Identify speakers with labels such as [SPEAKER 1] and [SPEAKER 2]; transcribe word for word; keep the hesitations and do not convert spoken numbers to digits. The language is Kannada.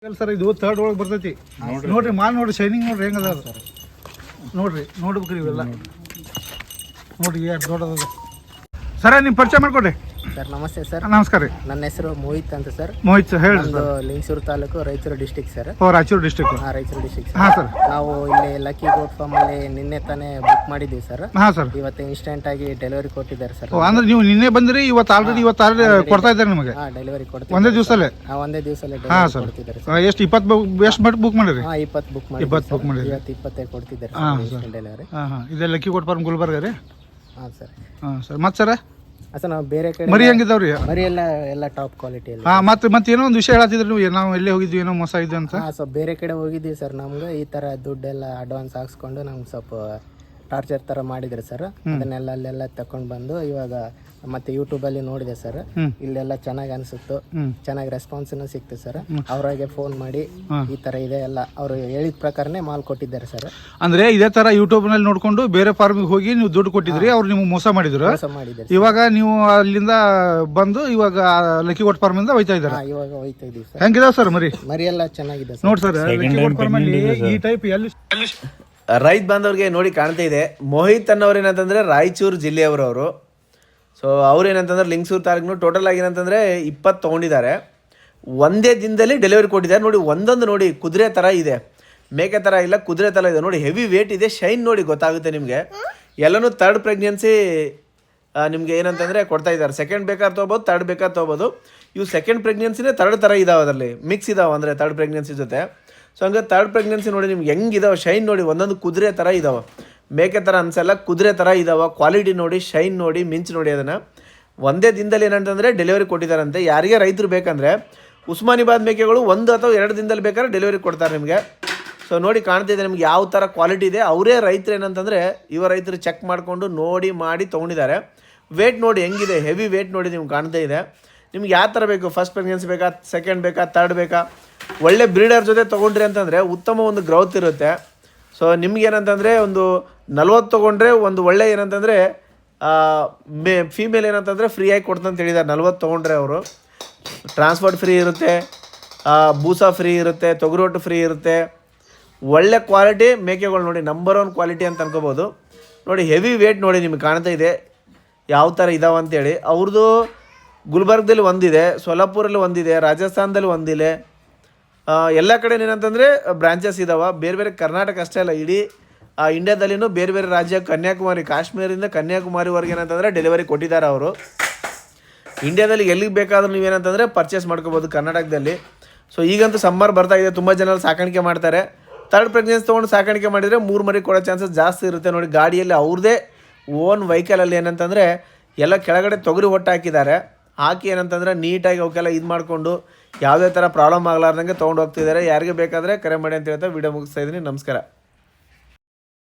[SPEAKER 1] ಸರ್ ಇದು ಥರ್ಡ್ ಒಳಗೆ ಬರ್ತೈತಿ ನೋಡ್ರಿ ಮಾಲ್ ನೋಡ್ರಿ ಶೈನಿಂಗ್ ನೋಡ್ರಿ ಹೆಂಗದ ಅದು ನೋಡ್ರಿ ನೋಡ್ಬೇಕ್ರಿ ಇವೆಲ್ಲ ನೋಡ್ರಿ ಎಷ್ಟು ದೊಡ್ಡದ ಸರ ನಿಮ್ಮ ಪರಿಚಯ ಮಾಡ್ಕೊಡ್ರಿ
[SPEAKER 2] ಸರ್ ನಮಸ್ತೆ ಸರ್.
[SPEAKER 1] ನಮಸ್ಕಾರ ರೀ.
[SPEAKER 2] ನನ್ನ ಹೆಸರು ಮೋಹಿತ್ ಅಂತ ಸರ್.
[SPEAKER 1] ಮೋಹಿತ್ ಸರ್ ಹೇಳಿ.
[SPEAKER 2] ನಮ್ದು ಲಿಂಗಸೂರು ತಾಲೂಕು ರಾಯಚೂರು ಡಿಸ್ಟಿಕ್ ಸರ್.
[SPEAKER 1] ಓ ರಾಯಚೂರು ಡಿಸ್ಟಿಕ್.
[SPEAKER 2] ಹಾಂ ರಾಯಚೂರು ಡಿಸ್ಟಿಕ್
[SPEAKER 1] ಹಾಂ ಸರ್.
[SPEAKER 2] ನಾವು ಇಲ್ಲಿ ಲಕ್ಕಿ ಗೋಟ್ ಫಾರ್ಮ್ ಅಲ್ಲಿ ನಿನ್ನೆ ತಾನೇ ಬುಕ್ ಮಾಡಿದ್ದೀವಿ ಸರ್.
[SPEAKER 1] ಹಾಂ ಸರ್.
[SPEAKER 2] ಇವತ್ತು ಇನ್ಸ್ಟೆಂಟ್ ಆಗಿ ಡೆಲಿವರಿ ಕೊಟ್ಟಿದ್ದಾರೆ ಸರ್.
[SPEAKER 1] ಅಂದ್ರೆ ನೀವು ನಿನ್ನೆ ಬಂದ್ರಿ ಇವತ್ತು ಆಲ್ರೆಡಿ ಇವತ್ತು ಆಲ್ರೆಡಿ ಕೊಡ್ತಾ ಇದ್ದಾರೆ ನಿಮಗೆ?
[SPEAKER 2] ಹಾಂ ಡೆಲಿವರಿ ಕೊಡ್ತೀವಿ
[SPEAKER 1] ಒಂದೇ ದಿವಸಲ್ಲೇ.
[SPEAKER 2] ಹಾಂ ಒಂದೇ ದಿವಸಲ್ಲೇ
[SPEAKER 1] ಹಾಂ
[SPEAKER 2] ಡೆಲಿವರಿ
[SPEAKER 1] ಸರ್.
[SPEAKER 2] ಕೊಡ್ತಿದ್ದಾರೆ ಸರ್.
[SPEAKER 1] ಎಷ್ಟು ಇಪ್ಪತ್ತು ಎಷ್ಟು ಮಟ್ಟ ಬುಕ್ ಮಾಡಿರಿ?
[SPEAKER 2] ಹಾಂ ಇಪ್ಪತ್ತು ಬುಕ್ ಮಾಡಿ
[SPEAKER 1] ಇಪ್ಪತ್ತು ಬುಕ್ ಮಾಡಿರಿ.
[SPEAKER 2] ಇವತ್ತು ಇಪ್ಪತ್ತೈದು ಕೊಡ್ತಿದ್ದಾರೆ
[SPEAKER 1] ಹಾಂ
[SPEAKER 2] ಸರ್
[SPEAKER 1] ಸರ್.
[SPEAKER 2] ಡೆಲಿವರಿ.
[SPEAKER 1] ಹಾಂ ಹಾಂ ಇದೆ ಲಕ್ಕಿ ಕೋಟ್ ಫಾರ್ಮ್ ಗುಲ್ಬರ್ಗ ರೀ?
[SPEAKER 2] ಹಾಂ ಸರ್.
[SPEAKER 1] ಹಾಂ ಸರ್. ಮತ್ತೆ ಸರ
[SPEAKER 2] ಸರ್ ನಾವು ಬೇರೆ ಕಡೆ
[SPEAKER 1] ಮರಿ ಹೆಂಗಿದಾವ್ರಿ?
[SPEAKER 2] ಮರಿ ಎಲ್ಲ ಎಲ್ಲ ಟಾಪ್ ಕ್ವಾಲಿಟಿಯಲ್ಲಿ.
[SPEAKER 1] ಹಾಂ ಮತ್ತೆ ಮತ್ತೆ ಏನೋ ಒಂದು ವಿಷಯ ಹೇಳತ್ತಿದ್ರಿ ನೀವು, ನಾವು ಎಲ್ಲೇ ಹೋಗಿದ್ವಿ ಏನೋ ಮೋಸ ಇದೆ ಅಂತ.
[SPEAKER 2] ಹಾಂ ಸ್ವಲ್ಪ ಬೇರೆ ಕಡೆ ಹೋಗಿದ್ದೀವಿ ಸರ್. ನಮ್ಗೆ ಈ ಥರ ದುಡ್ಡೆಲ್ಲ ಅಡ್ವಾನ್ಸ್ ಹಾಕ್ಸ್ಕೊಂಡು ನಮ್ಗೆ ಸ್ವಲ್ಪ ಟಾರ್ಚರ್ ಥರ ಮಾಡಿದ್ರು ಸರ್. ಅದನ್ನೆಲ್ಲ ಅಲ್ಲೆಲ್ಲ ತಗೊಂಡು ಬಂದು ಇವಾಗ ಮತ್ತೆ ಯೂಟ್ಯೂಬಲ್ಲಿ ನೋಡಿದೆ ಸರ್. ಇಲ್ಲೆಲ್ಲ ಚೆನ್ನಾಗಿ ಅನಿಸುತ್ತು, ಚೆನ್ನಾಗಿ ರೆಸ್ಪಾನ್ಸ್ನು ಸಿಕ್ತು ಸರ್. ಅವ್ರಿಗೆ ಫೋನ್ ಮಾಡಿ ಈ ಥರ ಇದೆ ಎಲ್ಲ ಅವರು ಹೇಳಿದ ಪ್ರಕಾರನೇ ಮಾಲ್ ಕೊಟ್ಟಿದ್ದಾರೆ ಸರ್.
[SPEAKER 1] ಅಂದ್ರೆ ಇದೇ ತರ ಯೂಟ್ಯೂಬ್ ನಲ್ಲಿ ನೋಡ್ಕೊಂಡು ಬೇರೆ ಫಾರ್ಮಿಗೆ ಹೋಗಿ ನೀವು ದುಡ್ಡು ಕೊಟ್ಟಿದ್ರಿ, ಅವ್ರು ನಿಮ್ಗೆ ಮೋಸ ಮಾಡಿದ್ರು.
[SPEAKER 2] ಮೋಸ ಮಾಡಿದ್ದಾರೆ.
[SPEAKER 1] ಇವಾಗ ನೀವು ಅಲ್ಲಿಂದ ಬಂದು ಇವಾಗ ಲಕ್ಕಿ ಕೋಟ್ ಫಾರ್ಮ್ ಇಂದ ಹೋಯ್ತಾ ಇದ್ದಾರೆ.
[SPEAKER 2] ಇವಾಗ ಹೋಯ್ತಾ ಇದೀವಿ ಸರ್.
[SPEAKER 1] ಹೆಂಗಿದಾವ್ ಸರ್ ಮರಿ?
[SPEAKER 2] ಮರಿ ಎಲ್ಲ ಚೆನ್ನಾಗಿದೆ ಸರ್.
[SPEAKER 1] ನೋಡಿ ಸರ್ ಲಕ್ಕಿ ಕೋಟ್ ಫಾರ್ಮ್ ಅಲ್ಲಿ ಈ ಟೈಪ್ ಎಲ್ಲಿ
[SPEAKER 3] ರೈತ ಬಾಂಧವ್ರಿಗೆ ನೋಡಿ ಕಾಣ್ತಾ ಇದೆ. ಮೋಹಿತ್ ಅನ್ನೋರು ಏನಂತಂದರೆ ರಾಯಚೂರು ಜಿಲ್ಲೆಯವರು ಅವರು. ಸೊ ಅವ್ರು ಏನಂತಂದ್ರೆ ಲಿಂಗಸೂರು ತಾಲೂಕು ಟೋಟಲ್ ಆಗಿ ಏನಂತಂದರೆ ಇಪ್ಪತ್ತು ತೊಗೊಂಡಿದ್ದಾರೆ. ಒಂದೇ ದಿನದಲ್ಲಿ ಡೆಲಿವರಿ ಕೊಟ್ಟಿದ್ದಾರೆ. ನೋಡಿ ಒಂದೊಂದು ನೋಡಿ ಕುದುರೆ ಥರ ಇದೆ, ಮೇಕೆ ಥರ ಇಲ್ಲ, ಕುದುರೆ ಥರ ಇದೆ ನೋಡಿ. ಹೆವಿ ವೇಟ್ ಇದೆ, ಶೈನ್ ನೋಡಿ ಗೊತ್ತಾಗುತ್ತೆ ನಿಮಗೆ. ಎಲ್ಲನೂ ತರ್ಡ್ ಪ್ರೆಗ್ನೆನ್ಸಿ ನಿಮಗೆ ಏನಂತಂದರೆ ಕೊಡ್ತಾ ಇದ್ದಾರೆ. ಸೆಕೆಂಡ್ ಬೇಕಾದ್ರೆ ತೊಗೋಬೋದು, ತರ್ಡ್ ಬೇಕಾದ್ರೆ ತೊಗೋಬೋದು. ಇವು ಸೆಕೆಂಡ್ ಪ್ರೆಗ್ನೆನ್ಸಿನೇ ತರ್ಡ್ ಥರ ಇದಾವೆ, ಅದರಲ್ಲಿ ಮಿಕ್ಸ್ ಇದಾವೆ ಅಂದರೆ ತರ್ಡ್ ಪ್ರೆಗ್ನೆನ್ಸಿ ಜೊತೆ. ಸೊ ಹಂಗೆ ತರ್ಡ್ ಪ್ರೆಗ್ನೆನ್ಸಿ ನೋಡಿ ನಿಮ್ಗೆ ಹೆಂಗಿದಾವೆ, ಶೈನ್ ನೋಡಿ ಒಂದೊಂದು ಕುದುರೆ ಥರ ಇದಾವೆ, ಮೇಕೆ ಥರ ಅನ್ಸಲ್ಲ, ಕುದುರೆ ಥರ ಇದಾವೆ. ಕ್ವಾಲಿಟಿ ನೋಡಿ, ಶೈನ್ ನೋಡಿ, ಮಿಂಚ್ ನೋಡಿ. ಅದನ್ನು ಒಂದೇ ದಿನದಲ್ಲಿ ಏನಂತಂದರೆ ಡೆಲಿವರಿ ಕೊಟ್ಟಿದ್ದಾರಂತೆ. ಯಾರಿಗೆ ರೈತರು ಬೇಕಂದರೆ ಉಸ್ಮಾನಿಬಾದ್ ಮೇಕೆಗಳು ಒಂದು ಅಥವಾ ಎರಡು ದಿನದಲ್ಲಿ ಬೇಕಾದ್ರೆ ಡೆಲಿವರಿ ಕೊಡ್ತಾರೆ ನಿಮಗೆ. ಸೊ ನೋಡಿ ಕಾಣ್ತಿದೆ ನಿಮ್ಗೆ ಯಾವ ಥರ ಕ್ವಾಲಿಟಿ ಇದೆ. ಅವರೇ ರೈತರು ಏನಂತಂದರೆ ಇವ ರೈತರು ಚೆಕ್ ಮಾಡಿಕೊಂಡು ನೋಡಿ ಮಾಡಿ ತೊಗೊಂಡಿದ್ದಾರೆ. ವೇಟ್ ನೋಡಿ ಹೆಂಗಿದೆ, ಹೆವಿ ವೇಟ್ ನೋಡಿ ನಿಮ್ಗೆ ಕಾಣ್ತಾ ಇದೆ. ನಿಮ್ಗೆ ಯಾವ ಥರ ಬೇಕು, ಫಸ್ಟ್ ಪ್ರೆಗ್ನೆನ್ಸಿ ಬೇಕಾ, ಸೆಕೆಂಡ್ ಬೇಕಾ, ತರ್ಡ್ ಬೇಕಾ, ಒಳ್ಳೆ ಬ್ರೀಡರ್ ಜೊತೆ ತೊಗೊಂಡ್ರಿ ಅಂತಂದರೆ ಉತ್ತಮ ಒಂದು ಗ್ರೌತ್ ಇರುತ್ತೆ. ಸೊ ನಿಮ್ಗೇನಂತಂದರೆ ಒಂದು ನಲ್ವತ್ತು ತೊಗೊಂಡ್ರೆ ಒಂದು ಒಳ್ಳೆ ಏನಂತಂದರೆ ಮೇ ಫೀಮೇಲ್ ಏನಂತಂದರೆ ಫ್ರೀಯಾಗಿ ಕೊಡ್ತಂತ ಹೇಳಿದ್ದಾರೆ. ನಲ್ವತ್ತು ತೊಗೊಂಡ್ರೆ ಅವರು ಟ್ರಾನ್ಸ್ಪೋರ್ಟ್ ಫ್ರೀ ಇರುತ್ತೆ, ಬೂಸಾ ಫ್ರೀ ಇರುತ್ತೆ, ತೊಗರೋಟು ಫ್ರೀ ಇರುತ್ತೆ. ಒಳ್ಳೆ ಕ್ವಾಲಿಟಿ ಮೇಕೆಗಳು ನೋಡಿ, ನಂಬರ್ ಒನ್ ಕ್ವಾಲಿಟಿ ಅಂತ ಅನ್ಕೋಬೋದು. ನೋಡಿ ಹೆವಿ ವೇಟ್ ನೋಡಿ ನಿಮಗೆ ಕಾಣ್ತಾ ಇದೆ ಯಾವ ಥರ ಇದಾವೆ ಅಂತೇಳಿ. ಅವ್ರದ್ದು ಗುಲ್ಬರ್ಗದಲ್ಲಿ ಒಂದಿದೆ, ಸೊಲ್ಲಾಪುರಲ್ಲಿ ಒಂದಿದೆ, ರಾಜಸ್ಥಾನದಲ್ಲಿ ಒಂದಿದೆ, ಎಲ್ಲ ಕಡೆ ಏನಂತಂದರೆ ಬ್ರಾಂಚಸ್ ಇದ್ದಾವೆ. ಬೇರೆ ಬೇರೆ ಕರ್ನಾಟಕ ಅಷ್ಟೇ ಅಲ್ಲ, ಇಡೀ ಇಂಡಿಯಾದಲ್ಲಿನೂ ಬೇರೆ ಬೇರೆ ರಾಜ್ಯ, ಕನ್ಯಾಕುಮಾರಿ, ಕಾಶ್ಮೀರದಿಂದ ಕನ್ಯಾಕುಮಾರಿವರೆಗೆ ಏನಂತಂದರೆ ಡೆಲಿವರಿ ಕೊಟ್ಟಿದ್ದಾರೆ ಅವರು. ಇಂಡಿಯಾದಲ್ಲಿ ಎಲ್ಲಿಗೆ ಬೇಕಾದ್ರೂ ನೀವೇನಂತಂದರೆ ಪರ್ಚೇಸ್ ಮಾಡ್ಕೋಬೋದು ಕರ್ನಾಟಕದಲ್ಲಿ. ಸೊ ಈಗಂತೂ ಸಮ್ಮರ್ ಬರ್ತಾ ಇದೆ, ತುಂಬ ಜನ ಸಾಕಾಣಿಕೆ ಮಾಡ್ತಾರೆ. ತರ್ಡ್ ಪ್ರೆಗ್ನೆನ್ಸಿ ತೊಗೊಂಡು ಸಾಕಾಣಿಕೆ ಮಾಡಿದರೆ ಮೂರು ಮರಿ ಕೊಡೋ ಚಾನ್ಸಸ್ ಜಾಸ್ತಿ ಇರುತ್ತೆ. ನೋಡಿ ಗಾಡಿಯಲ್ಲಿ ಅವ್ರದ್ದೇ ಓನ್ ವೆಹಿಕಲಲ್ಲಿ ಏನಂತಂದರೆ ಎಲ್ಲ ಕೆಳಗಡೆ ತೊಗರಿ ಹೊಟ್ಟು ಹಾಕಿದ್ದಾರೆ. ಹಾಕಿ ಏನಂತಂದರೆ ನೀಟಾಗಿ ಅವಕ್ಕೆಲ್ಲ ಇದು ಮಾಡಿಕೊಂಡು ಯಾವುದೇ ಥರ ಪ್ರಾಬ್ಲಮ್ ಆಗಲಾರ್ದಂಗೆ ತೊಗೊಂಡು ಹೋಗ್ತಿದ್ದಾರೆ. ಯಾರಿಗೆ ಬೇಕಾದರೆ ಕರೆ ಮಾಡಿ ಅಂತ ಹೇಳ್ತಾ ವಿಡಿಯೋ ಮುಗಿಸ್ತಾ ಇದ್ದೀನಿ. ನಮಸ್ಕಾರ.